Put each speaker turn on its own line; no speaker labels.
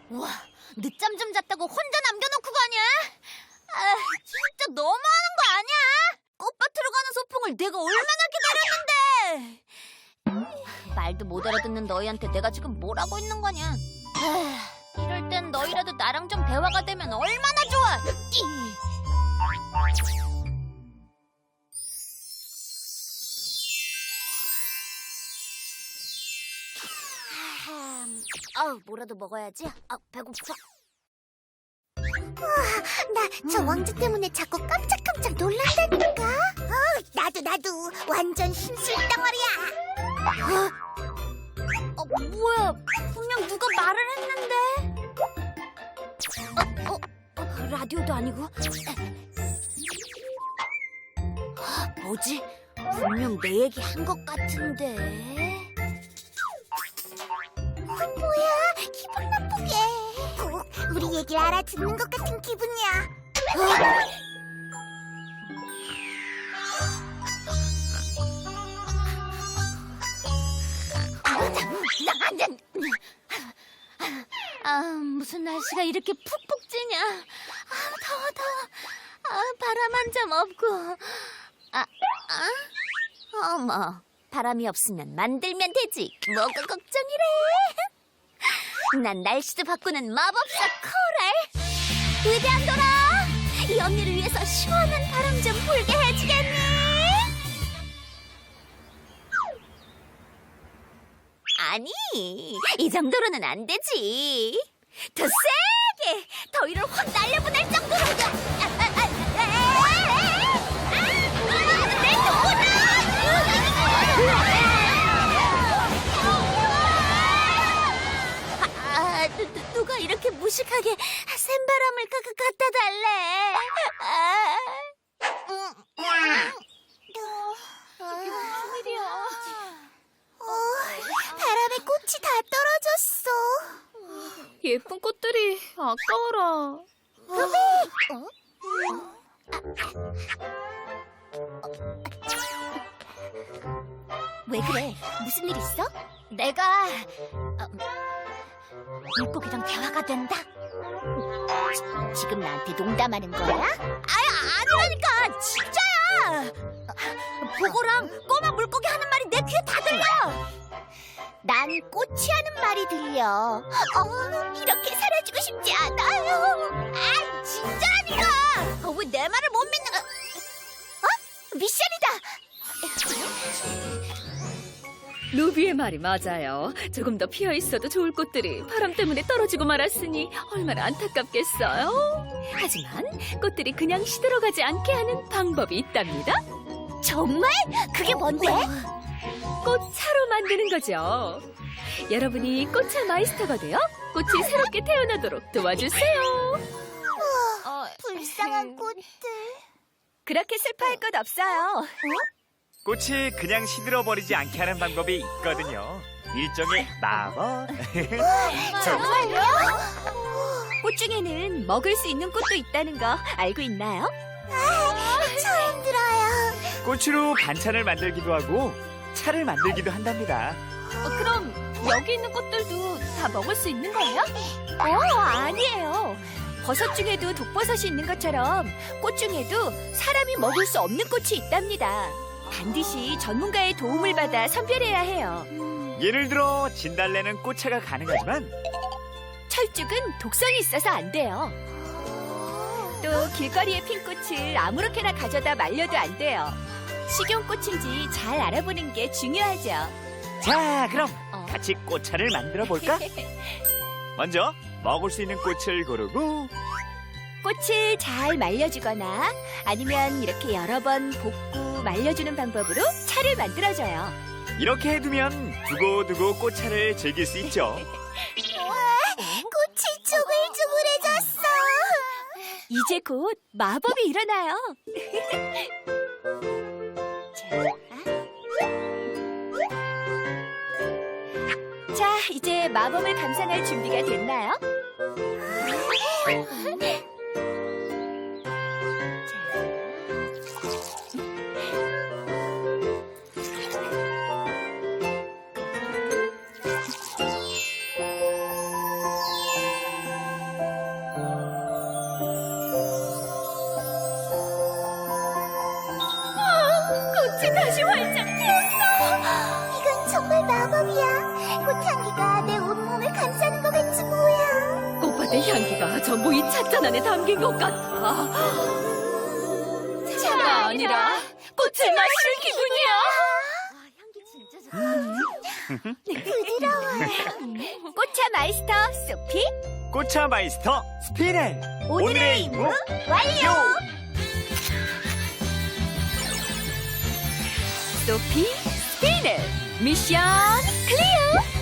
와, 늦잠 좀 잤다고 혼자 남겨놓고 가냐? 아, 진짜 너무하는 거 아니야? 꽃밭으로 가는 소풍을 내가 얼마나 기다렸는데! 말도 못 알아듣는 너희한테 내가 지금 뭘 하고 있는 거냐? 이럴 땐 너희라도 나랑 좀 대화가 되면 얼마나 좋아! 뭐라도 먹어야지. 배고파.
나 저 왕자 때문에 자꾸 깜짝깜짝 놀란다니까. 나도 완전 힘쓸 덩어리야.
뭐야? 분명 누가 말을 했는데. 라디오도 아니고. 뭐지? 분명 내 얘기 한 것 같은데.
뭐야, 기분 나쁘게. 꼭 우리 얘기를 알아듣는 것 같은 기분이야.
무슨 날씨가 이렇게 푹푹 찌냐? 더워. 바람 한 점 없고. 어머, 바람이 없으면 만들면 되지. 뭐가 걱정이래? 난 날씨도 바꾸는 마법사 코랄. 위대한 도라, 이 언니를 위해서 시원한 바람 좀 불게 해주겠니? 아니, 이 정도로는 안 되지. 더 세게, 더위를 확 날려보낼 정도로. 내 누가 이렇게 무식하게 센바람을 갖다 달래? 이게 무슨 일이야?
바람에 꽃이 다 떨어졌어.
예쁜 꽃들이 아까워라.
왜 그래? 무슨 일 있어? 내가 물고기랑 대화가 된다. 지금 나한테 농담하는 거야? 아니라니까, 진짜야. 보고랑 꼬마 물고기 하는 말이 내 귀에 다 들려.
난 꽃이 하는 말이 들려. 이렇게 사라지고 싶지 않아요.
진짜라니까. 왜 내 말을 못 믿는 거야?
미션이다.
루비의 말이 맞아요. 조금 더 피어 있어도 좋을 꽃들이 바람 때문에 떨어지고 말았으니 얼마나 안타깝겠어요. 하지만 꽃들이 그냥 시들어가지 않게 하는 방법이 있답니다.
정말? 그게 뭔데?
꽃차로 만드는 거죠. 여러분이 꽃차 마이스터가 되어 꽃이 새롭게 태어나도록 도와주세요.
불쌍한 꽃들.
그렇게 슬퍼할 것 없어요.
꽃이 그냥 시들어버리지 않게 하는 방법이 있거든요. 일종의 마법.
정말요?
꽃 중에는 먹을 수 있는 꽃도 있다는 거 알고 있나요?
처음 들어요.
꽃으로 반찬을 만들기도 하고 차를 만들기도 한답니다.
그럼 여기 있는 꽃들도 다 먹을 수 있는 거예요? 아니에요. 버섯 중에도 독버섯이 있는 것처럼 꽃 중에도 사람이 먹을 수 없는 꽃이 있답니다. 반드시 전문가의 도움을 받아 선별해야 해요.
예를 들어 진달래는 꽃차가 가능하지만
철쭉은 독성이 있어서 안 돼요. 또 길거리의 핀 꽃을 아무렇게나 가져다 말려도 안 돼요. 식용꽃인지 잘 알아보는 게 중요하죠.
자, 그럼 같이 꽃차를 만들어 볼까? 먼저 먹을 수 있는 꽃을 고르고
꽃을 잘 말려주거나 아니면 이렇게 여러 번 볶고 말려주는 방법으로 차를 만들어줘요.
이렇게 해두면 두고두고 꽃차를 즐길 수 있죠.
꽃이 쭈글쭈글해졌어.
이제 곧 마법이 일어나요. 자, 이제 마법을 감상할 준비가 됐나요? 꽃이 다시 활짝 피었어.
이건 정말 마법이야. 꽃향기가 내 온몸을 감싸는 것 같지 뭐야.
꽃밭의 향기가 전부 이 찻잔 안에 담긴 것 같아. 차가 아니라 꽃을 마시는 기분이야.
부드러워.
꽃차 마이스터 소피.
꽃차 마이스터 스피넬. 오늘의 임무
완료.
소피 스피넬 미션 클리어.